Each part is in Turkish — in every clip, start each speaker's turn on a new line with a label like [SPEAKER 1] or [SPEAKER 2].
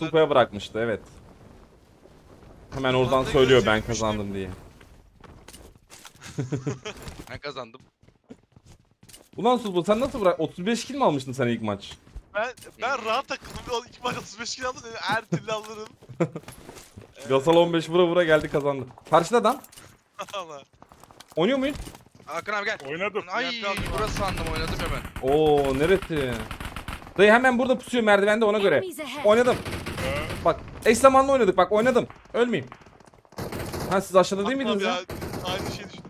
[SPEAKER 1] Supa'ya bırakmıştı, evet. Hemen oradan söylüyor ben kazandım diye.
[SPEAKER 2] Ben kazandım.
[SPEAKER 1] Ulan Supa sen nasıl bırak? 35 kill mi almıştın sen ilk maç?
[SPEAKER 3] Ben rahat takıldım. İlk maç 35 kilo aldım dedim. Her türlü alırım.
[SPEAKER 1] Gasol 15 vura vura geldi kazandı. Karşıda adam.
[SPEAKER 3] Allah.
[SPEAKER 1] Oynuyor muyuz?
[SPEAKER 2] Hakan abi gel.
[SPEAKER 4] Oynadım.
[SPEAKER 2] Ay
[SPEAKER 3] Yapacağım.
[SPEAKER 2] burası sandım oynadım hemen.
[SPEAKER 1] Oo neresi? Dayı hemen burada pusuyor merdivende ona göre.
[SPEAKER 5] Enemies ahead.
[SPEAKER 1] Oynadım.
[SPEAKER 4] Ee,
[SPEAKER 1] Bak eş zamanlı oynadık bak oynadım. Ölmeyeyim. Ha siz aşağıda değil miydiniz ya?
[SPEAKER 3] Aynı şey düşündüm.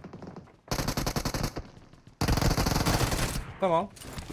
[SPEAKER 1] Tamam.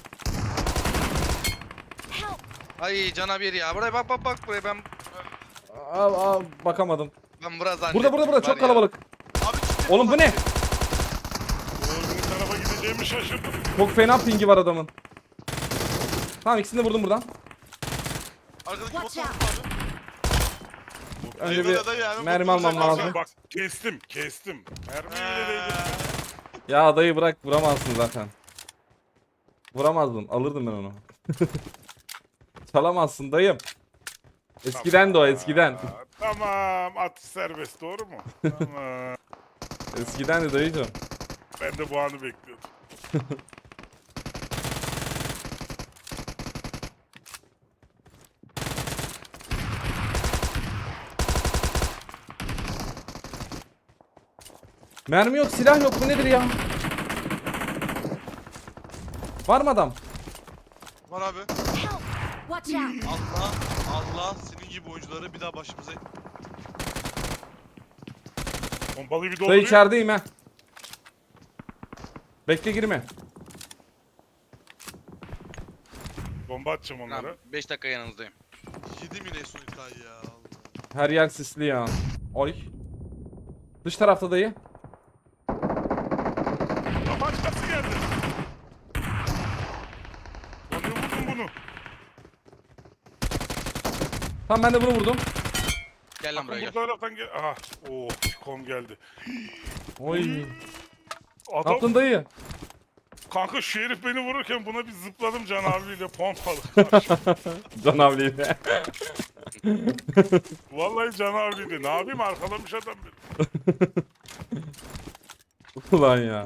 [SPEAKER 5] Help!
[SPEAKER 2] Ay canavar ya. Buraya bak buraya ben
[SPEAKER 1] Aa, bakamadım.
[SPEAKER 2] buraya zannettim.
[SPEAKER 1] Burada
[SPEAKER 2] Var
[SPEAKER 1] çok
[SPEAKER 2] ya.
[SPEAKER 1] kalabalık.
[SPEAKER 3] Abi ciddi
[SPEAKER 1] Oğlum bu ne?
[SPEAKER 4] Öbür tarafa gideceğimi şaşırdım.
[SPEAKER 1] Çok fena pingi var adamın. Tamam ikisini de vurdum buradan.
[SPEAKER 3] Arkadaki
[SPEAKER 5] Watch
[SPEAKER 3] motor
[SPEAKER 5] out.
[SPEAKER 3] abi.
[SPEAKER 1] Önce
[SPEAKER 3] Eyvallah dayı ya,
[SPEAKER 1] bir
[SPEAKER 3] ben
[SPEAKER 1] mermi
[SPEAKER 3] motoru
[SPEAKER 1] almam
[SPEAKER 3] sen
[SPEAKER 1] lazım.
[SPEAKER 4] Bak kestim. Mermiyle değdim.
[SPEAKER 1] Ya dayı bırak vuramazsın zaten. Vuramazdın alırdım ben onu. Çalamazsın dayım. Eskiden de o eskiden.
[SPEAKER 4] Tamam atış serbest doğru mu? Tamam.
[SPEAKER 1] Eskiden de dayıcım.
[SPEAKER 4] Ben de bu anı bekliyordum.
[SPEAKER 1] Mermi yok silah yok bu nedir ya? Var mı adam?
[SPEAKER 3] Var abi.
[SPEAKER 5] Help! Watch out!
[SPEAKER 3] Allah senin gibi oyuncuları bir daha başımıza.
[SPEAKER 4] Pompalıyı bir
[SPEAKER 1] Dayı
[SPEAKER 4] doldurayım.
[SPEAKER 1] içerideyim ha. Bekle girme.
[SPEAKER 4] Bomba atacağım onlara.
[SPEAKER 2] Tamam 5 dakika yanınızdayım.
[SPEAKER 3] Yedim yine son hikaye ya. Allah.
[SPEAKER 1] Her yer sisli ya. Oy. Dış tarafta dayı.
[SPEAKER 4] Ya başkası geldi. Lan ne vurdun bunu?
[SPEAKER 1] Tamam ben de bunu vurdum.
[SPEAKER 2] Gel lan buraya
[SPEAKER 4] Bu
[SPEAKER 2] gel.
[SPEAKER 4] taraftan gel. Aha. Oo, kom geldi.
[SPEAKER 1] Oy. Ne
[SPEAKER 4] Adam
[SPEAKER 1] yaptın dayı?
[SPEAKER 4] kanka şu herif beni vururken buna bir zıpladım Can abiyle pompalı.
[SPEAKER 1] Can abiyle.
[SPEAKER 4] Vallahi Can abiyle. Ne yapayım arkalamış adam beni.
[SPEAKER 1] Ulan ya.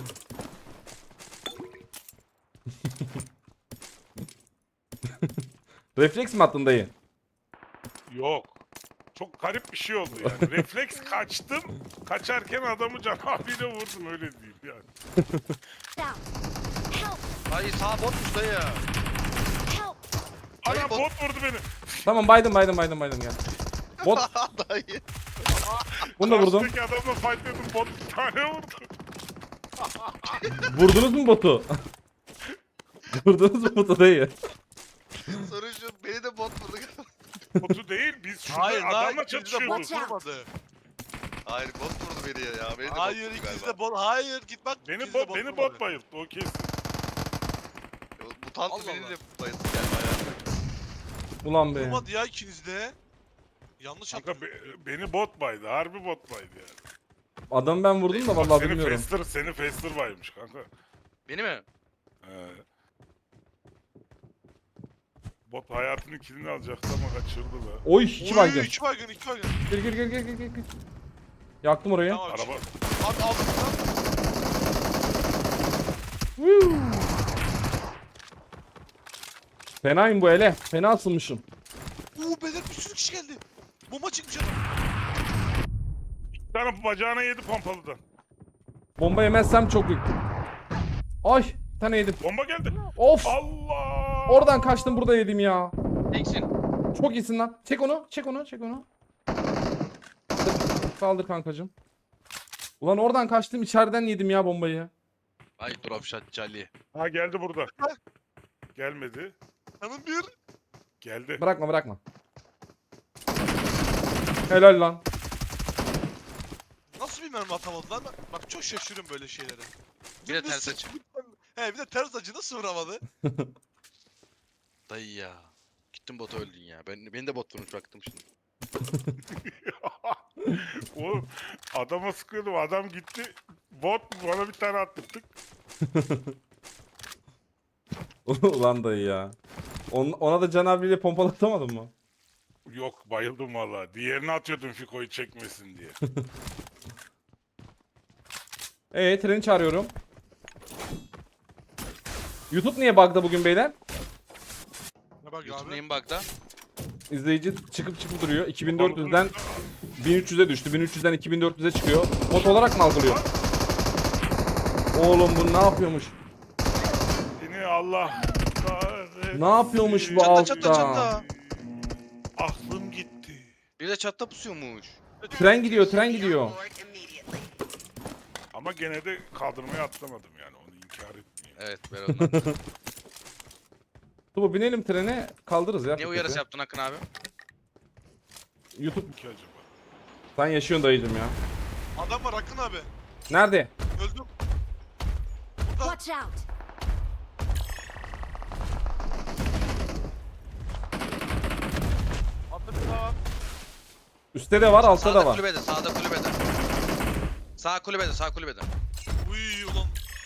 [SPEAKER 1] Refleks mi attın dayı?
[SPEAKER 4] Yok. Çok garip bir şey oldu yani. Refleks kaçtım. Kaçarken adamı Can abiyle vurdum öyle değil yani.
[SPEAKER 5] Down! Help!
[SPEAKER 2] Ay sağ botmuş dayı.
[SPEAKER 5] Help!
[SPEAKER 2] Hayır,
[SPEAKER 4] Ana
[SPEAKER 2] bot-
[SPEAKER 4] bot vurdu beni.
[SPEAKER 1] Tamam baydım gel. Bot
[SPEAKER 2] Dayı.
[SPEAKER 1] bunu da vurdum.
[SPEAKER 4] Karşıdaki adamla fightladım bot bir tane vurdu.
[SPEAKER 1] Vurdunuz mu botu? Vurdunuz mu botu dayı?
[SPEAKER 2] Sorun şu beni de bot vurdu.
[SPEAKER 4] Botu değil biz şurada
[SPEAKER 3] Hayır lan
[SPEAKER 4] adamla
[SPEAKER 3] ikiniz de
[SPEAKER 4] çatışıyorduk.
[SPEAKER 3] bot
[SPEAKER 5] Watch out.
[SPEAKER 3] vurmadı.
[SPEAKER 2] Hayır bot vurdu beni ya. Beni de
[SPEAKER 3] Hayır
[SPEAKER 2] bot vurdu
[SPEAKER 3] ikiniz
[SPEAKER 2] galiba.
[SPEAKER 3] de bot. Hayır git bak.
[SPEAKER 4] Beni
[SPEAKER 3] ikiniz de
[SPEAKER 4] bot
[SPEAKER 3] vurmadı.
[SPEAKER 4] bayılttı o kesin.
[SPEAKER 2] Mutant
[SPEAKER 3] Allah
[SPEAKER 2] beni
[SPEAKER 3] Allah.
[SPEAKER 2] de bayıldı galiba ya.
[SPEAKER 1] Ulan be.
[SPEAKER 3] Vurmadı ya ikiniz de. Yanlış
[SPEAKER 4] Kanka
[SPEAKER 3] yaptın.
[SPEAKER 4] beni bot baydı. Harbi bot baydı yani.
[SPEAKER 1] Adamı ben vurdum da
[SPEAKER 4] Bak,
[SPEAKER 1] vallahi bilmiyorum.
[SPEAKER 4] Seni Faster baymış kanka.
[SPEAKER 2] Beni mi?
[SPEAKER 4] Bot hayatının kilini alacaktı ama kaçırdı da.
[SPEAKER 1] Oy iki
[SPEAKER 3] Oy,
[SPEAKER 1] baygın.
[SPEAKER 3] iki baygın, iki baygın.
[SPEAKER 1] Gir. Yaktım orayı.
[SPEAKER 3] Tamam abi.
[SPEAKER 4] Araba
[SPEAKER 3] Abi aldım lan.
[SPEAKER 1] Fenayım bu ele. Fena asılmışım.
[SPEAKER 3] Beyler bir sürü kişi geldi. Bomba çıkmış adam.
[SPEAKER 4] bir tane bacağına yedi pompalıdan.
[SPEAKER 1] Bomba yemezsem çok büyük. Ay bir tane yedim.
[SPEAKER 4] Bomba geldi.
[SPEAKER 1] Of.
[SPEAKER 4] Allah!
[SPEAKER 1] Oradan kaçtım burada yedim ya.
[SPEAKER 2] Teksin.
[SPEAKER 1] Çok iyisin lan. Çek onu. Kaldır kankacım. Ulan oradan kaçtım içeriden yedim ya bombayı.
[SPEAKER 2] Ay drop shot Charlie.
[SPEAKER 4] Ha geldi burada. Gelmedi.
[SPEAKER 3] Canım bir.
[SPEAKER 4] Geldi.
[SPEAKER 1] Bırakma. Helal lan.
[SPEAKER 3] Nasıl bir mermi atamadı lan? Bak çok şaşırıyorum böyle şeylere.
[SPEAKER 2] Bir de
[SPEAKER 3] Dümdüz
[SPEAKER 2] ters
[SPEAKER 3] sıçtı.
[SPEAKER 2] açı.
[SPEAKER 3] He bir de ters açı nasıl vuramadı?
[SPEAKER 2] Dayı ya. Gittin bota öldün ya. Beni de bot vurmuş baktım şimdi.
[SPEAKER 4] Oğlum adama sıkıyordum adam gitti. Bot bana bir tane attırdık.
[SPEAKER 1] Ulan dayı ya. Ona da Can abiyle pompalatamadın mı?
[SPEAKER 4] Yok bayıldım valla. Diğerini atıyordum Fiko'yu çekmesin diye.
[SPEAKER 1] Treni çağırıyorum. YouTube niye bug'da bugün beyler?
[SPEAKER 3] Ne bak
[SPEAKER 2] YouTube
[SPEAKER 3] abi?
[SPEAKER 2] neyin bug'da?
[SPEAKER 1] İzleyici çıkıp duruyor. 2400'den 1300'e düştü. 1300'den 2400'e çıkıyor. Bot olarak mı algılıyor? Oğlum bu ne yapıyormuş?
[SPEAKER 4] Seni Allah kahretsin.
[SPEAKER 1] Ne yapıyormuş bu
[SPEAKER 2] Çatla,
[SPEAKER 1] altta?
[SPEAKER 2] çatla, çatla.
[SPEAKER 4] Aklım gitti.
[SPEAKER 2] Bir de çatta pusuyormuş.
[SPEAKER 1] Tren gidiyor.
[SPEAKER 4] Ama gene de kaldırmaya atlamadım yani. Onu inkar etmeyeyim.
[SPEAKER 2] Evet ver ondan.
[SPEAKER 1] Bu binelim trene kaldırırız ya.
[SPEAKER 2] Niye uyarısı yaptın Akın abi?
[SPEAKER 1] YouTube
[SPEAKER 4] Ki acaba?
[SPEAKER 1] sen yaşıyorsun dayıcım ya.
[SPEAKER 3] Adam var Akın abi.
[SPEAKER 1] Nerede?
[SPEAKER 3] Öldüm.
[SPEAKER 5] Watch out!
[SPEAKER 3] Atla bir daha.
[SPEAKER 1] Üstte de var, altta da
[SPEAKER 2] Sağda
[SPEAKER 1] var.
[SPEAKER 2] kulübede, sağda kulübede. Sağ kulübede, sağ kulübede.
[SPEAKER 3] Uy ulan.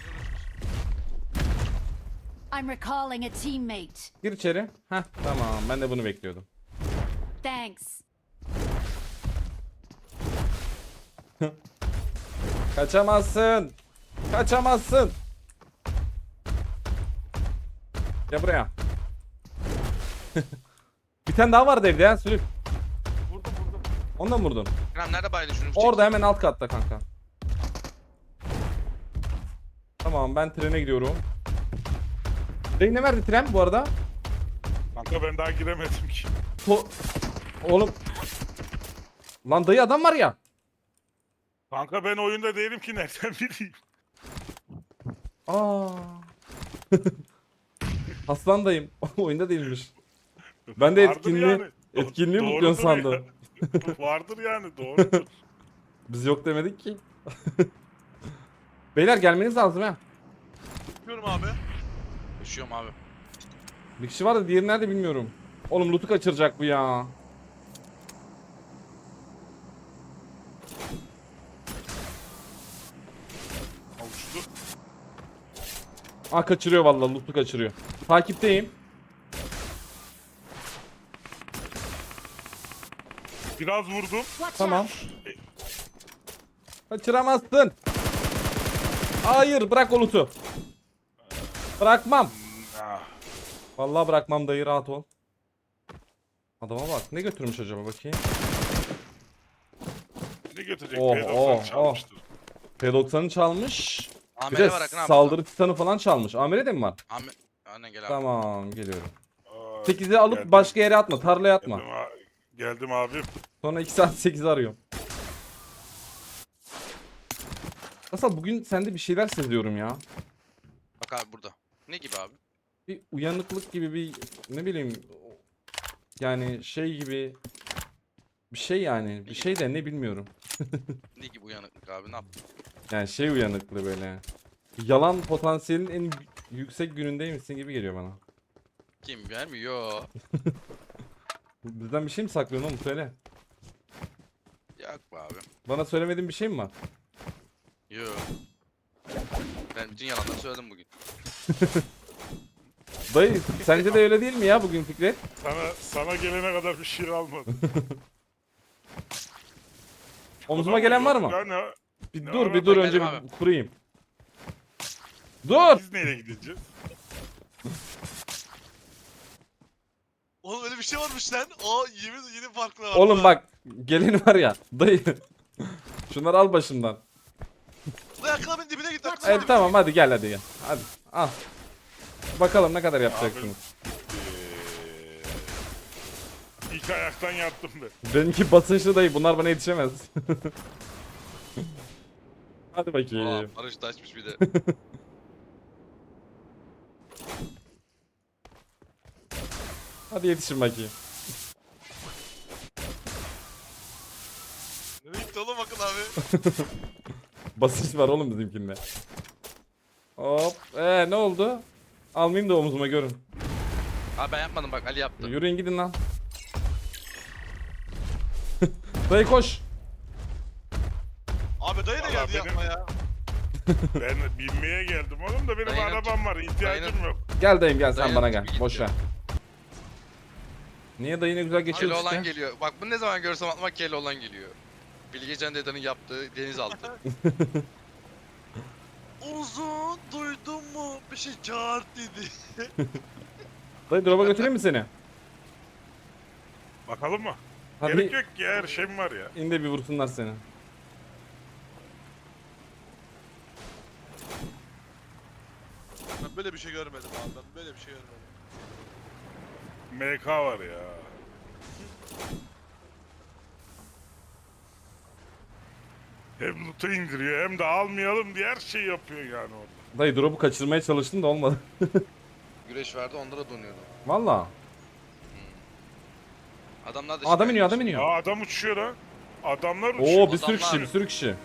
[SPEAKER 5] I'm recalling a teammate.
[SPEAKER 1] Gir içeri. Heh tamam, ben de bunu bekliyordum.
[SPEAKER 5] Thanks.
[SPEAKER 1] Kaçamazsın. Kaçamazsın. Gel buraya. Bir tane daha vardı evde ya sürük.
[SPEAKER 3] Vurdum.
[SPEAKER 1] Ondan mı vurdun?
[SPEAKER 2] Kerem nerede baydın şunu?
[SPEAKER 1] Orada hemen alt katta kanka. Tamam ben trene gidiyorum. Dayı ne verdi tren bu arada?
[SPEAKER 4] Kanka ben daha giremedim ki.
[SPEAKER 1] Oğlum. Lan dayı adam var ya.
[SPEAKER 4] Kanka ben oyunda değilim ki nereden bileyim.
[SPEAKER 1] Aa. Aslan dayım. Oyunda değilmiş. Ben de
[SPEAKER 4] Vardır
[SPEAKER 1] etkinliği
[SPEAKER 4] yani.
[SPEAKER 1] etkinliği
[SPEAKER 4] Doğrudur
[SPEAKER 1] mutluyorsun
[SPEAKER 4] ya.
[SPEAKER 1] sandım.
[SPEAKER 4] Vardır yani doğrudur.
[SPEAKER 1] Biz yok demedik ki. Beyler gelmeniz lazım ha.
[SPEAKER 3] Yapıyorum abi.
[SPEAKER 2] Koşuyorum abi.
[SPEAKER 1] Bir kişi var da diğeri nerede bilmiyorum. Oğlum loot'u kaçıracak bu ya.
[SPEAKER 4] Avuçlu.
[SPEAKER 1] Kaçırıyor vallahi loot'u kaçırıyor. Takipteyim.
[SPEAKER 4] Biraz vurdum.
[SPEAKER 5] Watch
[SPEAKER 1] Tamam.
[SPEAKER 5] out!
[SPEAKER 1] Kaçıramazsın. Hayır bırak o loot'u. Bırakmam.
[SPEAKER 4] Ah,
[SPEAKER 1] Vallahi bırakmam dayı rahat ol. Adama bak ne götürmüş acaba bakayım.
[SPEAKER 4] ne götürecek?
[SPEAKER 1] Oh,
[SPEAKER 4] P90
[SPEAKER 1] oh,
[SPEAKER 4] çalmıştır.
[SPEAKER 1] P90'ı çalmış. Bir
[SPEAKER 2] Amele
[SPEAKER 1] de
[SPEAKER 2] var Akın abi.
[SPEAKER 1] saldırı titanı falan çalmış. Amire de mi var?
[SPEAKER 2] Aynen gel abi.
[SPEAKER 1] Tamam geliyorum.
[SPEAKER 4] Aa,
[SPEAKER 1] 8'i alıp
[SPEAKER 4] geldim.
[SPEAKER 1] başka yere atma. Tarlaya atma.
[SPEAKER 4] Geldim abim.
[SPEAKER 1] Sonra 2 saat 8'i arıyorum. Nasıl bugün sende bir şeyler seziyorum ya.
[SPEAKER 2] Bak abi burada. Ne gibi abi?
[SPEAKER 1] Bir uyanıklık gibi bir ne bileyim yani şey gibi bir şey yani bir şey de ne bilmiyorum.
[SPEAKER 2] Ne gibi uyanıklık abi ne yaptın?
[SPEAKER 1] Yani şey uyanıklığı böyle. Yalan potansiyelin en yüksek günündeymişsin gibi geliyor bana.
[SPEAKER 2] Kim vermiyor?
[SPEAKER 1] Bizden bir şey mi saklıyorsun oğlum söyle.
[SPEAKER 2] Yok be abi.
[SPEAKER 1] Bana söylemediğin bir şey mi var?
[SPEAKER 2] Yok. Ben bütün yalanları söyledim bugün.
[SPEAKER 1] Dayı sence de öyle değil mi ya bugün Fikret?
[SPEAKER 4] Sana gelene kadar bir şey almadım.
[SPEAKER 1] Omzuma gelen var mı?
[SPEAKER 4] Yani,
[SPEAKER 1] Bir
[SPEAKER 4] Ne
[SPEAKER 1] dur
[SPEAKER 4] var
[SPEAKER 1] bir
[SPEAKER 4] lan?
[SPEAKER 1] dur
[SPEAKER 2] Ben
[SPEAKER 1] önce
[SPEAKER 2] geldim
[SPEAKER 1] bir kurayım. Dur!
[SPEAKER 4] biz nereye gideceğiz?
[SPEAKER 3] Oğlum öyle bir şey varmış lan. Aa yeni farklı var.
[SPEAKER 1] Oğlum bak geleni var ya dayı. Şunları al başımdan.
[SPEAKER 3] Dayı Akın abinin dibine git. Akın
[SPEAKER 1] Evet
[SPEAKER 3] abi.
[SPEAKER 1] tamam hadi gel hadi gel. Hadi al. Bakalım ne kadar yapacaksınız.
[SPEAKER 4] İlk ayaktan yattım ben.
[SPEAKER 1] Benimki basınçlı dayı bunlar bana yetişemez. Hadi bakayım.
[SPEAKER 2] Aa, Barış da açmış bir de.
[SPEAKER 1] Hadi yetişin bakayım.
[SPEAKER 3] Nereye gitti oğlum Akın abi?
[SPEAKER 1] Basınç var oğlum bizimkinde. Hop. Ne oldu? Almayayım da omzuma görün.
[SPEAKER 2] Abi ben yapmadım bak Ali yaptı.
[SPEAKER 1] Yürüyün gidin lan. Dayı koş.
[SPEAKER 3] Abi dayı da
[SPEAKER 4] Vallahi
[SPEAKER 3] geldi
[SPEAKER 4] benim-
[SPEAKER 3] yapma ya.
[SPEAKER 4] Ben binmeye geldim oğlum da benim
[SPEAKER 2] Dayının-
[SPEAKER 4] arabam var. İhtiyacım
[SPEAKER 2] dayının-
[SPEAKER 4] yok.
[SPEAKER 1] Gel dayım gel sen
[SPEAKER 2] Dayı
[SPEAKER 1] bana
[SPEAKER 2] tipi
[SPEAKER 1] gel.
[SPEAKER 2] gitti.
[SPEAKER 1] Boş ver. Niye dayı ne güzel geçiyor
[SPEAKER 2] Keloğlan
[SPEAKER 1] işte.
[SPEAKER 2] geliyor. Bak bunu ne zaman görsem aklıma Keloğlan geliyor. Bilgecan dedenin yaptığı denizaltı.
[SPEAKER 3] Uzun duydun mu? Bir şey çağır dedi.
[SPEAKER 1] Dayı drop'a götüreyim mi seni?
[SPEAKER 4] Bakalım mı?
[SPEAKER 1] Hadi
[SPEAKER 4] Gerek yok ki her şeyim var ya.
[SPEAKER 1] in de bir vursunlar seni.
[SPEAKER 3] Ben böyle bir şey görmedim abi. Ben böyle bir şey görmedim.
[SPEAKER 4] MK var ya. Hem loot'u indiriyor hem de almayalım diye her şeyi yapıyor yani orada.
[SPEAKER 1] Dayı drop'u kaçırmaya çalıştım da olmadı.
[SPEAKER 2] Güreş verdi onlara donuyordu.
[SPEAKER 1] Valla.
[SPEAKER 2] Adamlar da
[SPEAKER 1] Adam iniyor, adam
[SPEAKER 2] şikayetçi.
[SPEAKER 1] iniyor.
[SPEAKER 4] Aa adam uçuyor ha. Adamlar uçuyor.
[SPEAKER 1] Oo bir sürü kişi,
[SPEAKER 2] Adamlar-
[SPEAKER 1] bir sürü kişi.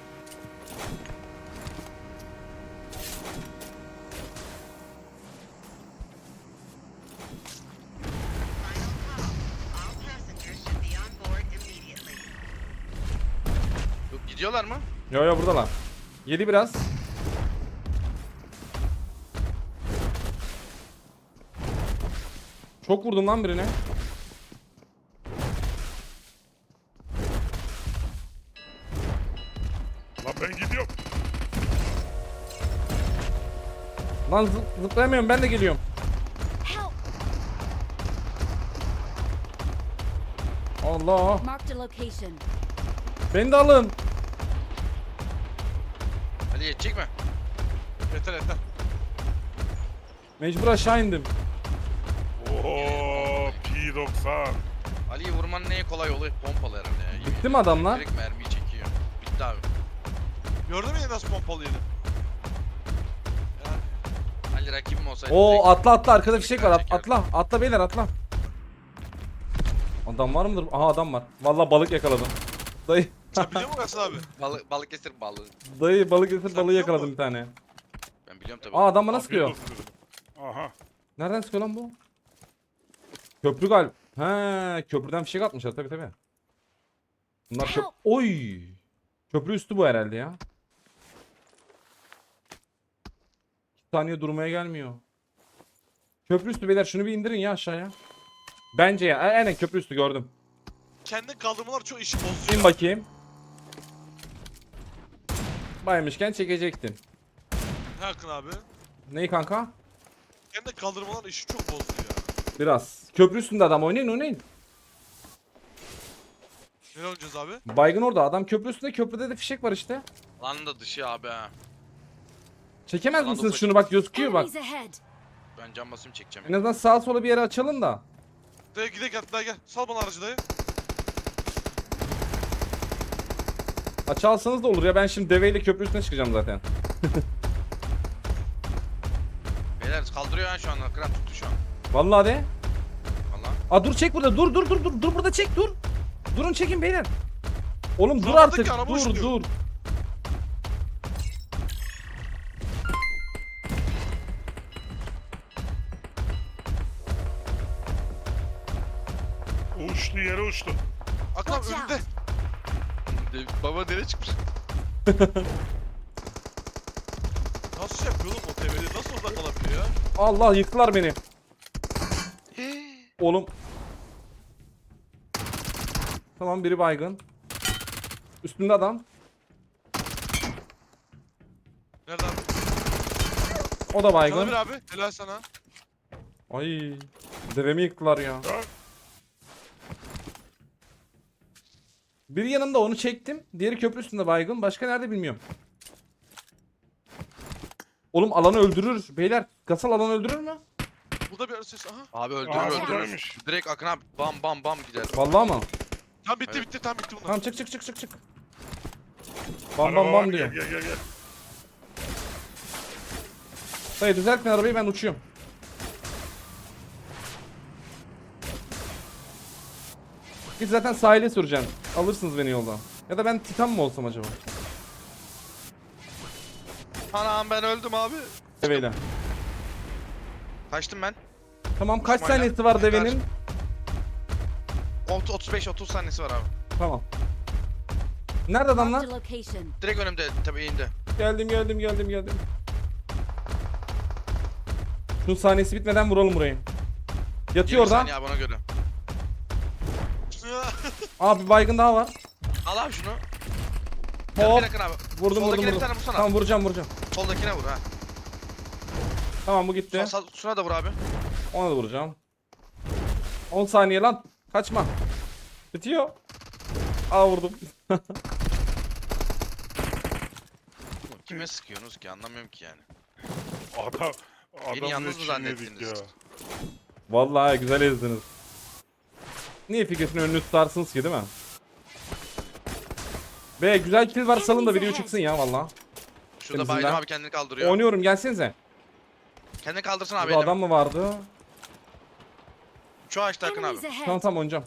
[SPEAKER 6] All passengers should be on board immediately.
[SPEAKER 2] Gidiyorlar mı?
[SPEAKER 1] Yo yo buradalar. Yedi biraz. Çok vurdum lan birine.
[SPEAKER 4] Lan ben gidiyorum.
[SPEAKER 1] Lan zıplayamıyorum, ben de geliyorum.
[SPEAKER 5] Help!
[SPEAKER 1] Allah.
[SPEAKER 5] Marked a location.
[SPEAKER 1] Beni de alın.
[SPEAKER 2] Ali yetecek mi?
[SPEAKER 3] Yeter yeter.
[SPEAKER 1] Mecbur aşağı indim.
[SPEAKER 4] Oo P90.
[SPEAKER 2] Ali'yi vurmanın en kolay yolu pompalı herhalde ya. Yemin
[SPEAKER 1] Bitti mi
[SPEAKER 2] ediyorum.
[SPEAKER 1] adamlar?
[SPEAKER 2] Direkt mermiyi çekiyor. Bitti abi.
[SPEAKER 3] Gördün mü ya nasıl pompalı yedim?
[SPEAKER 2] Ali rakibim olsaydı
[SPEAKER 1] Oo
[SPEAKER 2] direkt-
[SPEAKER 1] atla atla, arkada fişek var.
[SPEAKER 2] Çeker.
[SPEAKER 1] Atla atla beyler, atla. Adam var mıdır? Aha adam var. Vallahi balık yakaladım. Dayı
[SPEAKER 3] Sen biliyor musun Hasan abi?
[SPEAKER 2] Balık esir balığı.
[SPEAKER 1] dayı balık getir,
[SPEAKER 3] Sen
[SPEAKER 1] balığı
[SPEAKER 3] biliyor
[SPEAKER 1] yakaladım
[SPEAKER 3] musun?
[SPEAKER 1] bir tane.
[SPEAKER 2] Ben biliyorum tabii.
[SPEAKER 1] Aa adam bana
[SPEAKER 4] Afiyet
[SPEAKER 1] sıkıyor.
[SPEAKER 4] olsun dedim. Aha.
[SPEAKER 1] Nereden sıkıyor lan bu? Köprü galiba. He, köprüden fişek atmışlar tabii tabii. Bunlar
[SPEAKER 5] Help!
[SPEAKER 1] Oy! Köprü üstü bu herhalde ya. 2 saniye durmaya gelmiyor. Köprü üstü beyler, şunu bir indirin ya aşağıya. Bence ya. Aynen köprü üstü gördüm.
[SPEAKER 3] Kendi kaldırmalar çok işi bozuyor.
[SPEAKER 1] İn bakayım. Baymışken çekecektin.
[SPEAKER 3] Ne Akın abi?
[SPEAKER 1] Neyi kanka?
[SPEAKER 3] Kendi kaldırmalar işi çok bozuyor ya.
[SPEAKER 1] Biraz. Köprü üstünde adam, oynayın oynayın.
[SPEAKER 3] Ne oynayacağız abi?
[SPEAKER 1] Baygın orada, adam köprü üstünde, köprüde de fişek var işte.
[SPEAKER 2] Lan da dışı abi ha.
[SPEAKER 1] Çekemez
[SPEAKER 2] Lan da
[SPEAKER 1] misiniz
[SPEAKER 2] ufacık.
[SPEAKER 1] şunu, bak gözüküyor bak.
[SPEAKER 5] Enemies ahead.
[SPEAKER 2] Ben cam basayım çekeceğim.
[SPEAKER 1] En azından sağa sola bir yere açalım da.
[SPEAKER 3] Dayı gidelim hatta gel. Sal bana aracı dayı.
[SPEAKER 1] Açalsanız da olur ya, ben şimdi deveyle köprü üstüne çıkacağım zaten.
[SPEAKER 2] Beyler kaldırıyor ha şu an. Kıran tuttu şu an.
[SPEAKER 1] Vallahi de.
[SPEAKER 2] Valla.
[SPEAKER 1] Aa dur, çek burada, dur burada çek, dur. Durun çekin beyler. Oğlum dur
[SPEAKER 3] Zamanındaki
[SPEAKER 1] artık,
[SPEAKER 3] araba
[SPEAKER 1] dur
[SPEAKER 3] uçuyor.
[SPEAKER 1] dur.
[SPEAKER 4] Uçtu yere uçtu.
[SPEAKER 3] Akın abi
[SPEAKER 5] Watch
[SPEAKER 3] önünde.
[SPEAKER 2] Baba nereye çıkmış?
[SPEAKER 3] Nasıl şey yapıyor oğlum o TV'de? Nasıl orada kalabiliyor ya?
[SPEAKER 1] Allah, yıktılar beni. Oğlum. Tamam, biri baygın. Üstünde adam.
[SPEAKER 3] Nerede abi?
[SPEAKER 1] O da baygın.
[SPEAKER 3] Sana bir abi. Helal sana.
[SPEAKER 1] Ay. Devemi yıktılar ya.
[SPEAKER 4] Ha?
[SPEAKER 1] Biri yanımda, onu çektim. Diğeri köprü üstünde baygın. Başka nerede bilmiyorum. Oğlum alanı öldürür. Beyler, Gasal alanı öldürür mü?
[SPEAKER 3] Burada bir ses. Aha.
[SPEAKER 2] Abi
[SPEAKER 4] Aa,
[SPEAKER 2] öldürür.
[SPEAKER 4] buradaymış.
[SPEAKER 2] Direkt Akın abi bam bam bam gider.
[SPEAKER 1] Vallahi mı?
[SPEAKER 3] Tam bitti
[SPEAKER 2] Evet.
[SPEAKER 3] bitti tam bitti bunlar.
[SPEAKER 1] Tamam, çık. Bam
[SPEAKER 4] Araba
[SPEAKER 1] bam
[SPEAKER 4] var,
[SPEAKER 1] bam diyor.
[SPEAKER 4] Gel.
[SPEAKER 1] Dayı düzeltme arabayı, ben uçuyorum. Git zaten sahile süreceğim. Alırsınız beni yoldan. Ya da ben Titan mı olsam acaba?
[SPEAKER 2] Anam ben öldüm abi.
[SPEAKER 1] Deveyle.
[SPEAKER 2] Kaçtım ben.
[SPEAKER 1] Tamam, kaç
[SPEAKER 2] İsmail'e.
[SPEAKER 1] saniyesi var devenin?
[SPEAKER 2] 35-30 saniyesi var abi.
[SPEAKER 1] Tamam. Nerede adamlar?
[SPEAKER 5] Marked a location.
[SPEAKER 2] Direkt önümde tabii eğimde.
[SPEAKER 1] Geldim. Şunun saniyesi bitmeden vuralım burayı. Yatıyor
[SPEAKER 2] 20
[SPEAKER 1] orada.
[SPEAKER 2] saniye abi ona göre.
[SPEAKER 1] Abi bir baygın daha var.
[SPEAKER 2] Al abi şunu.
[SPEAKER 1] Hop.
[SPEAKER 2] Yakın abi.
[SPEAKER 1] Vurdum
[SPEAKER 2] Soldakine
[SPEAKER 1] vurdum
[SPEAKER 2] bir tane
[SPEAKER 1] vurdum.
[SPEAKER 2] vursana.
[SPEAKER 1] Tamam vuracağım.
[SPEAKER 2] Soldakine vur ha.
[SPEAKER 1] Tamam bu gitti.
[SPEAKER 2] Şuna da vur abi.
[SPEAKER 1] Ona da vuracağım. 10 saniye lan. Kaçma. Bitiyor. Aa vurdum.
[SPEAKER 2] Kime sıkıyorsunuz ki anlamıyorum ki yani.
[SPEAKER 4] Adam
[SPEAKER 2] yalnız mı
[SPEAKER 4] ne
[SPEAKER 2] zannettiniz?
[SPEAKER 4] ya.
[SPEAKER 1] Vallahi güzel ezdiniz. Niye figürsünün önünü tutarsınız ki değil mi? Be güzel kill var salın da video çıksın ya valla.
[SPEAKER 2] Şurada
[SPEAKER 1] Temizle.
[SPEAKER 2] Bayram abi kendini kaldırıyor.
[SPEAKER 1] Oynuyorum gelsenize.
[SPEAKER 2] Kendini kaldırsın abi.
[SPEAKER 1] Burada adam mı vardı?
[SPEAKER 2] Şu ağaçta Akın abi.
[SPEAKER 5] Enemies ahead.
[SPEAKER 1] Tamam oynayacağım.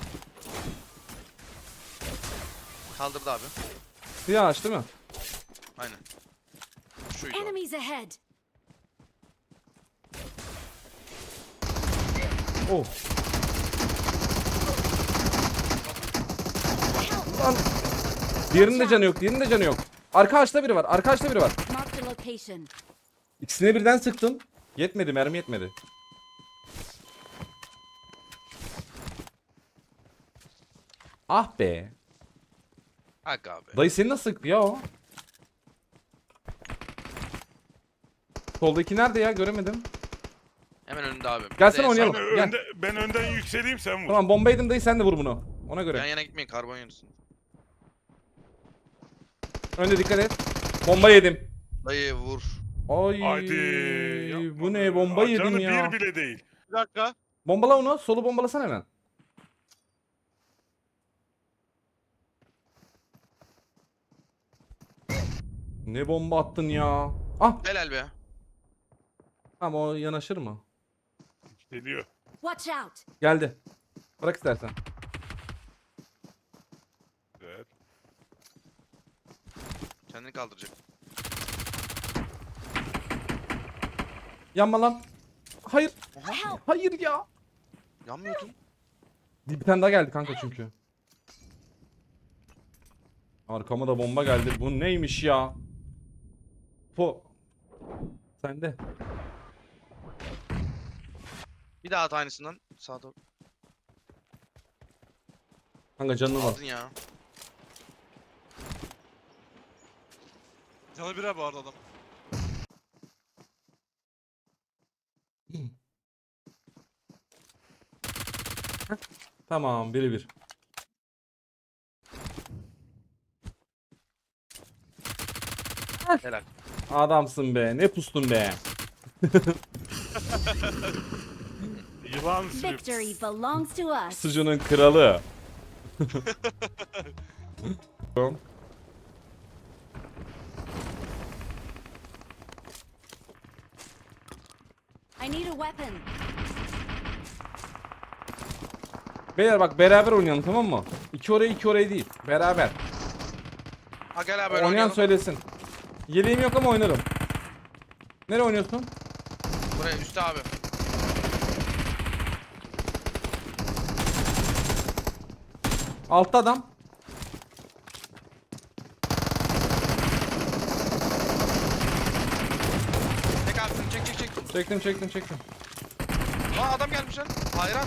[SPEAKER 2] Kaldırdı abi.
[SPEAKER 1] Siyah ağaç değil mi?
[SPEAKER 2] Aynen. Şuydu o.
[SPEAKER 5] Enemies ahead.
[SPEAKER 1] Oh. Lan. Diğerinin de canı yok. Diğerinin de canı yok. Arka ağaçta biri var. Arka ağaçta biri var.
[SPEAKER 5] Marked a location.
[SPEAKER 1] İkisine birden sıktım. Yetmedi mermi yetmedi. Ah be.
[SPEAKER 2] Hak abi.
[SPEAKER 1] Dayı seni nasıl sıktı ya o? Soldaki nerede ya göremedim.
[SPEAKER 2] Hemen önünde abi.
[SPEAKER 1] Gelsene
[SPEAKER 2] Bir de
[SPEAKER 1] oynayalım.
[SPEAKER 4] Ben,
[SPEAKER 1] Gel.
[SPEAKER 4] ben önden yükseleyim sen vur.
[SPEAKER 1] Tamam bomba yedim dayı sen de vur bunu. Ona
[SPEAKER 2] Yan
[SPEAKER 1] göre.
[SPEAKER 2] yana gitmeyin karbon yanısın.
[SPEAKER 1] Önde dikkat et. Bomba yedim.
[SPEAKER 2] Dayı vur.
[SPEAKER 1] Ay
[SPEAKER 4] Hadi. yapma
[SPEAKER 1] bu
[SPEAKER 4] be.
[SPEAKER 1] ne bomba yedim
[SPEAKER 4] Canı
[SPEAKER 1] ya.
[SPEAKER 4] bir bile değil.
[SPEAKER 3] Bir dakika.
[SPEAKER 1] Bombala onu. Solu bombalasana hemen. Ne bomba attın ya. Ah
[SPEAKER 2] Helal be.
[SPEAKER 1] tamam o yanaşır mı?
[SPEAKER 4] Geliyor.
[SPEAKER 5] Watch out.
[SPEAKER 1] Geldi. Bırak istersen.
[SPEAKER 4] Evet.
[SPEAKER 2] Kendini kaldıracak.
[SPEAKER 1] Yanma lan. Hayır.
[SPEAKER 5] Help.
[SPEAKER 1] Hayır ya.
[SPEAKER 2] Yanmıyordun.
[SPEAKER 1] Bir tane daha geldi kanka çünkü. Arkama da bomba geldi. Bu neymiş ya? Po. Sende.
[SPEAKER 2] Bir daha at aynısından. Sağa doğru.
[SPEAKER 1] Kanka canını al.
[SPEAKER 2] Aldın ya.
[SPEAKER 3] Canı bir abi bu arada adam.
[SPEAKER 1] Tamam biri bir.
[SPEAKER 2] Helal.
[SPEAKER 1] Adamsın be. Ne pustun be.
[SPEAKER 4] Yılan sürüp.
[SPEAKER 5] Victory belongs to us.
[SPEAKER 1] Sucuğunun kralı.
[SPEAKER 5] I need a weapon.
[SPEAKER 1] Beyler bak beraber oynayalım tamam mı? İki oraya değil. Beraber.
[SPEAKER 2] Ha gel abi
[SPEAKER 1] Oynayan
[SPEAKER 2] oynayalım.
[SPEAKER 1] söylesin. Yeleğim yok ama oynarım. Nereye oynuyorsun?
[SPEAKER 2] Buraya üstte abi.
[SPEAKER 1] Altta adam.
[SPEAKER 2] Çek abi şunu çek.
[SPEAKER 1] Çektim.
[SPEAKER 2] Aa adam gelmiş lan. Hayran.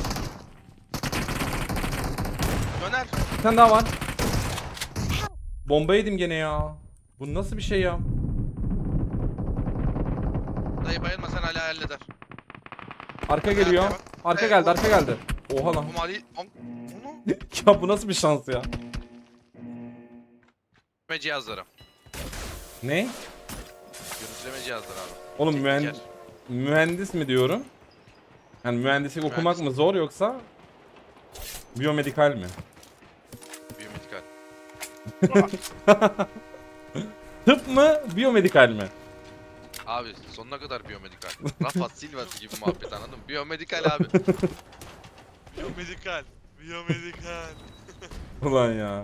[SPEAKER 2] Döner.
[SPEAKER 1] Bir tane daha var. Bomba yedim gene ya. Bu nasıl bir şey ya?
[SPEAKER 2] Dayı bayılma sen hala halleder.
[SPEAKER 1] Arka geliyor.
[SPEAKER 2] Arkaya bak.
[SPEAKER 1] Arka
[SPEAKER 2] Evet,
[SPEAKER 1] geldi. Oha lan.
[SPEAKER 2] Bu mali... Onu...
[SPEAKER 1] Ya bu nasıl bir şans ya?
[SPEAKER 2] Görüntüleme cihazları.
[SPEAKER 1] Ne?
[SPEAKER 2] Görüntüleme cihazları abi.
[SPEAKER 1] Oğlum
[SPEAKER 2] Tekniker.
[SPEAKER 1] mühendis mi diyorum? Yani mühendislik okumak mı zor yoksa biyomedikal mi?
[SPEAKER 2] Biyomedikal.
[SPEAKER 1] Tıp mı, biyomedikal mi?
[SPEAKER 2] Abi sonuna kadar biyomedikal. Rafa Silva'sı gibi muhabbet anladın mı? Biyomedikal abi.
[SPEAKER 3] Biyomedikal. Biyomedikal.
[SPEAKER 1] Ulan ya.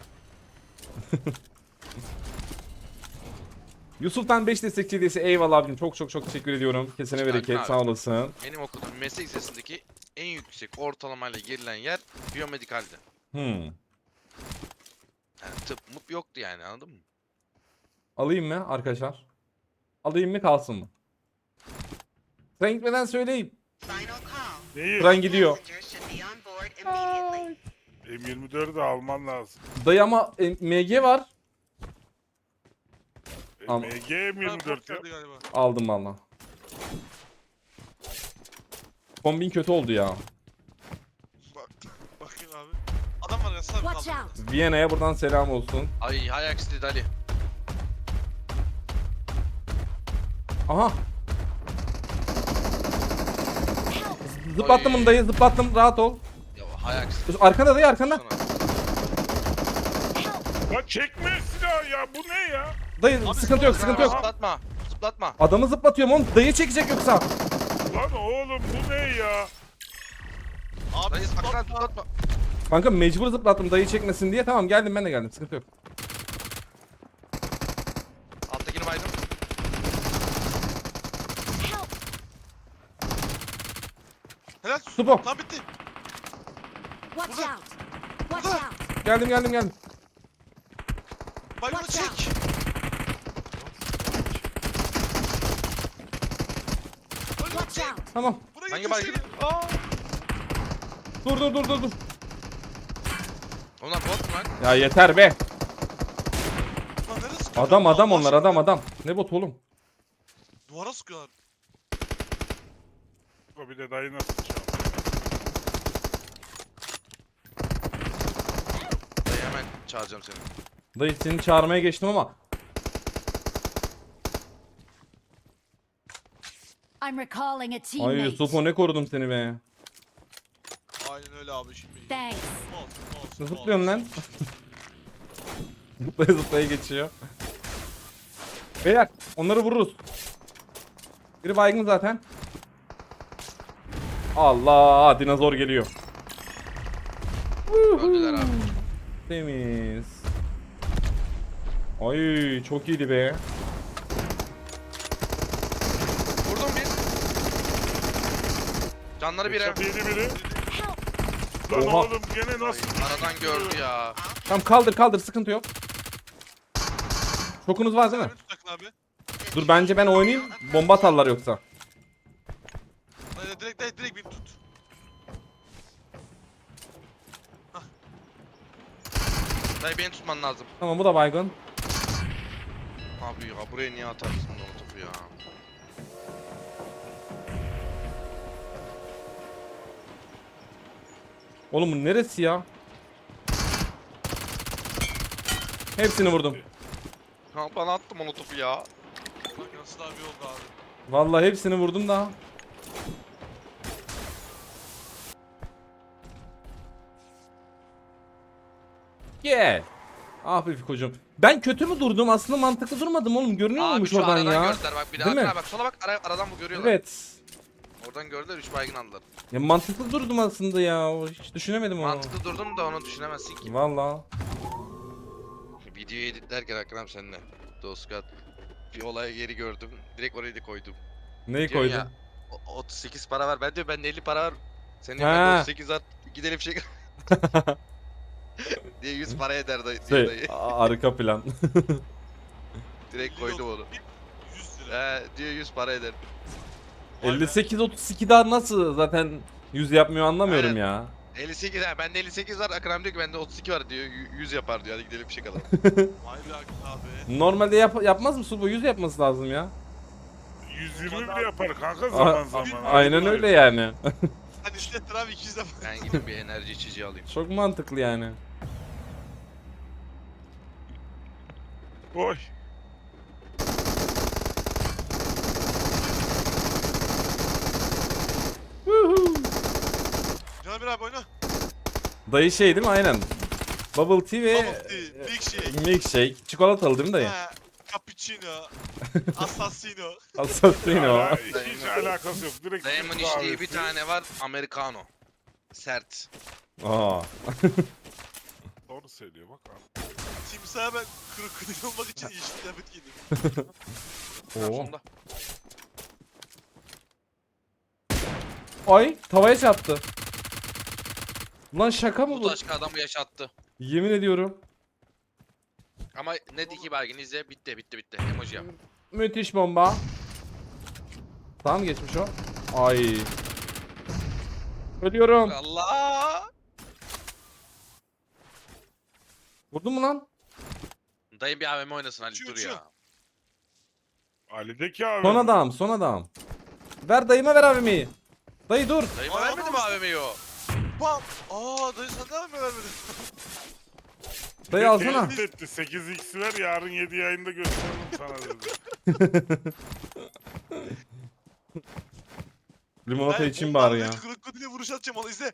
[SPEAKER 1] Yusuf'tan 5 destekçi hediyesi eyvallah abicim çok teşekkür ediyorum. Kesene
[SPEAKER 2] Hoş geldin
[SPEAKER 1] bereket
[SPEAKER 2] abi.
[SPEAKER 1] sağ olasın.
[SPEAKER 2] Benim okuduğum meslek lisesindeki en yüksek ortalamayla girilen yer biyomedikaldi.
[SPEAKER 1] Hmm.
[SPEAKER 2] Yani tıp mup yoktu yani anladın mı?
[SPEAKER 1] Alayım mı arkadaşlar? Alayım mı kalsın mı? Sen gitmeden söyleyeyim.
[SPEAKER 6] Final call.
[SPEAKER 4] Neyi?
[SPEAKER 1] Tren gidiyor.
[SPEAKER 6] Passengers should be on board immediately.
[SPEAKER 4] M24'ü de alman lazım.
[SPEAKER 1] Dayı ama MG var. Ama-
[SPEAKER 4] MG
[SPEAKER 3] Ha, bot
[SPEAKER 4] M24 ya.
[SPEAKER 3] geldi galiba.
[SPEAKER 1] Aldım valla. Kombin kötü oldu ya.
[SPEAKER 3] Bak. Bakayım abi. Adam var ya sağ
[SPEAKER 5] Watch
[SPEAKER 3] kaldı.
[SPEAKER 5] out.
[SPEAKER 1] Viyana'ya buradan selam olsun.
[SPEAKER 2] Ay hay aksi Ali.
[SPEAKER 1] Aha. Zıplattım bunu dayı, zıplattım, rahat ol.
[SPEAKER 2] Ya hay aksi.
[SPEAKER 1] Arkanda dayı, arkanda.
[SPEAKER 2] Sana.
[SPEAKER 4] Ya çekme silahı ya, bu ne ya?
[SPEAKER 1] Dayı sıkıntı yok, sıkıntı yok.
[SPEAKER 2] Zıplatma. Zıplatma.
[SPEAKER 1] Adamı zıplatıyorum oğlum, dayı çekecek yoksa.
[SPEAKER 4] Lan oğlum bu ne ya?
[SPEAKER 3] Abi
[SPEAKER 2] Dayı sakın
[SPEAKER 3] zıplatma.
[SPEAKER 2] zıplatma.
[SPEAKER 1] Kanka mecbur zıplattım dayı çekmesin diye. Tamam geldim, ben de geldim, sıkıntı yok.
[SPEAKER 2] Alttakini baydım.
[SPEAKER 5] Help.
[SPEAKER 3] Helal.
[SPEAKER 1] Supo.
[SPEAKER 3] Lan bitti.
[SPEAKER 5] Watch
[SPEAKER 3] Burada.
[SPEAKER 5] out. Watch
[SPEAKER 3] Burada.
[SPEAKER 5] out.
[SPEAKER 1] Geldim.
[SPEAKER 3] Bak bunu
[SPEAKER 5] Watch
[SPEAKER 3] çek.
[SPEAKER 5] Watch out.
[SPEAKER 1] Tamam.
[SPEAKER 3] Buraya
[SPEAKER 2] Hangi
[SPEAKER 3] getirsene.
[SPEAKER 2] baygın? Aa.
[SPEAKER 1] Dur.
[SPEAKER 2] Onlar bot mu lan?
[SPEAKER 1] Ya yeter be.
[SPEAKER 3] Lan nereye sıkıyorlar?
[SPEAKER 1] Adam
[SPEAKER 3] Allah
[SPEAKER 1] onlar,
[SPEAKER 3] aşkına.
[SPEAKER 1] adam. Ne bot oğlum?
[SPEAKER 3] Duvara sıkıyorlar.
[SPEAKER 4] O bir de dayı nasıl çaldı?
[SPEAKER 2] Dayı hemen çağıracağım seni.
[SPEAKER 1] Dayı seni çağırmaya geçtim ama.
[SPEAKER 5] I'm recalling a
[SPEAKER 1] Ay
[SPEAKER 5] teammate.
[SPEAKER 1] Supo ne korudum seni be.
[SPEAKER 3] Aynen öyle abi şimdi.
[SPEAKER 5] Thanks.
[SPEAKER 1] Ne zıplıyorsun lan? Zıplaya geçiyor. Beyler onları vururuz. Biri baygın zaten. Allah, dinozor geliyor.
[SPEAKER 2] Öldüler abi.
[SPEAKER 1] Temiz. Ay çok iyiydi be.
[SPEAKER 2] Vurdum bir. Canları bire.
[SPEAKER 4] Çatı yedi biri.
[SPEAKER 5] Help.
[SPEAKER 4] Lan
[SPEAKER 1] Oha.
[SPEAKER 4] oğlum gene nasıl?
[SPEAKER 2] Aradan gördü ya.
[SPEAKER 1] Tamam kaldır sıkıntı yok. Şokunuz var değil mi?
[SPEAKER 3] Beni tutakın abi.
[SPEAKER 1] Dur bence ben oynayayım. Bomba atarlar yoksa.
[SPEAKER 3] Direkt beni tut.
[SPEAKER 2] Dayı beni tutman lazım.
[SPEAKER 1] Tamam bu da baygın.
[SPEAKER 2] Abi ya buraya niye atarsın o topu ya?
[SPEAKER 1] Oğlum bu neresi ya? Hepsini vurdum.
[SPEAKER 2] Ha bana attım onu topu ya.
[SPEAKER 3] Bak nasıl abi oldu abi.
[SPEAKER 1] Vallahi hepsini vurdum da. Gel. Ah be Fiko'cum. Ben kötü mü durdum? Aslında mantıklı durmadım oğlum. Görünüyor
[SPEAKER 2] Abi
[SPEAKER 1] muymuş
[SPEAKER 2] şu
[SPEAKER 1] oradan
[SPEAKER 2] aradan
[SPEAKER 1] ya?
[SPEAKER 2] gördüler bak bir de
[SPEAKER 1] Değil mi?
[SPEAKER 2] arkana bak sola bak aradan bu görüyorlar.
[SPEAKER 1] Evet.
[SPEAKER 2] Oradan gördüler 3 baygın aldılar.
[SPEAKER 1] Ya mantıklı durdum aslında ya. Hiç düşünemedim onu.
[SPEAKER 2] Mantıklı durdum da onu düşünemezsin ki.
[SPEAKER 1] Vallahi.
[SPEAKER 2] Videoyu editlerken Akram seninle. Dostkat bir olaya geri gördüm. Direkt orayı da koydum.
[SPEAKER 1] Neyi
[SPEAKER 2] Diyorsun
[SPEAKER 1] koydun?
[SPEAKER 2] ya, 38 para var. Ben diyorum bende 50 para var. Senin
[SPEAKER 1] Ha.
[SPEAKER 2] bende 38 at gidelim şey. diye 100 para eder dayı. diyor dayı.
[SPEAKER 1] Arka plan.
[SPEAKER 2] Direkt koydum onu.
[SPEAKER 3] 100 lira.
[SPEAKER 2] Diyor 100 para eder.
[SPEAKER 1] 58-32 daha nasıl zaten 100 yapmıyor anlamıyorum
[SPEAKER 2] Aynen.
[SPEAKER 1] ya.
[SPEAKER 2] 58 ha bende 58 var. Akram diyor ki bende 32 var diyor. 100 yapar diyor. Hadi gidelim bir şey kalalım.
[SPEAKER 3] Vay be abi.
[SPEAKER 1] Normalde yapmaz mı bu? 100 yapması lazım ya.
[SPEAKER 4] 120 bile yapar kanka zaman zaman.
[SPEAKER 1] Aynen öyle yani.
[SPEAKER 3] Hadi işlettir abi 200 lira.
[SPEAKER 2] Ben gidip bir enerji içeceği alayım.
[SPEAKER 1] Çok mantıklı yani.
[SPEAKER 4] Oy.
[SPEAKER 3] Caner abi oyna.
[SPEAKER 1] Dayı şey değil mi? Aynen. Bubble tea ve
[SPEAKER 3] Bubble tea, milkshake.
[SPEAKER 1] milkshake. Çikolatalı değil mi dayı?
[SPEAKER 3] Ha, cappuccino. Assassino.
[SPEAKER 1] Assassino.
[SPEAKER 4] Ya, hiç alakası yok. Direkt
[SPEAKER 2] Dayımın
[SPEAKER 4] Türk
[SPEAKER 2] içtiği bir
[SPEAKER 4] kahvesi.
[SPEAKER 2] tane var. Americano. Sert.
[SPEAKER 1] Aa.
[SPEAKER 4] Doğru söylüyor bak abi.
[SPEAKER 3] Timsah'a ben kırık olmak için yeşil kıyafet giydim.
[SPEAKER 1] Oo.
[SPEAKER 2] Sonunda.
[SPEAKER 1] Ay tavaya çarptı. Ulan şaka mı
[SPEAKER 2] Bu
[SPEAKER 1] bu?
[SPEAKER 2] başka adamı yaşattı.
[SPEAKER 1] Yemin ediyorum.
[SPEAKER 2] Ama ne diki baygın izle bitti. Emoji yap.
[SPEAKER 1] Müthiş bomba. Tamam geçmiş o. Ay. Ölüyorum.
[SPEAKER 2] Allah!
[SPEAKER 1] Vurdun mu lan?
[SPEAKER 2] Dayı bir AVM oynasın Ali
[SPEAKER 3] Uçuyor,
[SPEAKER 2] dur
[SPEAKER 3] uçuyor.
[SPEAKER 2] ya.
[SPEAKER 4] Ali'deki abi.
[SPEAKER 1] Son adam, son adam. Ver dayıma ver abimi. Dayı dur.
[SPEAKER 2] Dayıma
[SPEAKER 3] Aa,
[SPEAKER 2] vermedi mi AVM'yi o?
[SPEAKER 3] Bam. Aa dayı sen de mi vermedin?
[SPEAKER 1] Dayı alsana.
[SPEAKER 4] Tehdit etti. 8x ver yarın 7 yayında gösteririm sana dedi.
[SPEAKER 1] Limonata
[SPEAKER 3] Ben
[SPEAKER 1] için bari ya.
[SPEAKER 3] Krokodile vuruş atacağım onu izle.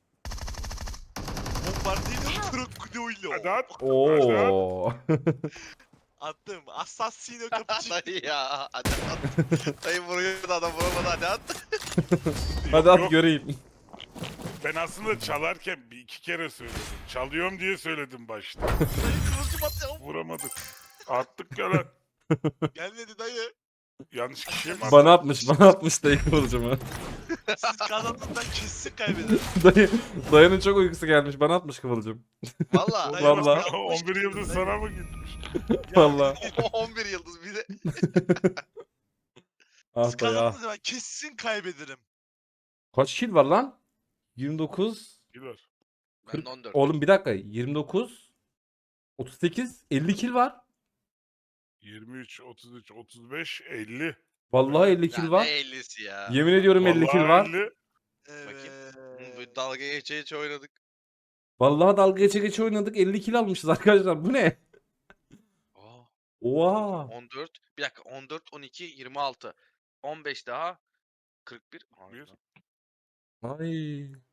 [SPEAKER 3] Bombardino krokodilo.
[SPEAKER 4] Hadi at. Hadi at.
[SPEAKER 1] Oo.
[SPEAKER 3] Attım. Assassino cappuccino.
[SPEAKER 2] Dayı ya. Hadi at. Dayı vuruyor da adam vuramadı hadi at.
[SPEAKER 1] Hadi at
[SPEAKER 4] Yok,
[SPEAKER 1] göreyim.
[SPEAKER 4] ben aslında çalarken bir iki kere söyledim. Çalıyorum diye söyledim başta.
[SPEAKER 3] Dayı kıvılcım atacağım.
[SPEAKER 4] Vuramadık. Attık ya lan.
[SPEAKER 3] Gelmedi dayı.
[SPEAKER 4] Yanlış kişiye mi attık?
[SPEAKER 1] Bana atmış dayı kıvılcımı.
[SPEAKER 3] Siz kazandığından kesin kaybederim.
[SPEAKER 1] Dayının çok uykusu gelmiş. Bana atmış kıvılcım.
[SPEAKER 2] Valla.
[SPEAKER 3] Dayı
[SPEAKER 1] Vallahi.
[SPEAKER 3] bak,
[SPEAKER 4] 11 yıldız sana mı gitmiş?
[SPEAKER 1] Vallahi.
[SPEAKER 2] 11 yıldız bir de.
[SPEAKER 1] Ah
[SPEAKER 3] Siz
[SPEAKER 1] dayı ah.
[SPEAKER 3] kazandığınız zaman kesin kaybederim.
[SPEAKER 1] Kaç kill var lan? 29.
[SPEAKER 4] Gider.
[SPEAKER 2] Ben de 14.
[SPEAKER 1] Oğlum bir dakika. 29. 38. 50 kill var.
[SPEAKER 4] 23, 33, 35, 50.
[SPEAKER 1] Vallahi 50
[SPEAKER 2] Ya
[SPEAKER 1] kill
[SPEAKER 2] ne
[SPEAKER 1] var.
[SPEAKER 2] 50'si ya.
[SPEAKER 1] Yemin ediyorum 50 kill
[SPEAKER 4] Vallahi
[SPEAKER 1] var.
[SPEAKER 4] 50.
[SPEAKER 2] Bu dalga geçe oynadık.
[SPEAKER 1] Vallahi dalga geçe oynadık. 50 kill almışız arkadaşlar. Bu ne?
[SPEAKER 2] Aa,
[SPEAKER 1] Oha.
[SPEAKER 2] 14. Bir dakika 14, 12, 26. 15 daha. 41.
[SPEAKER 4] Bir.
[SPEAKER 1] Ay.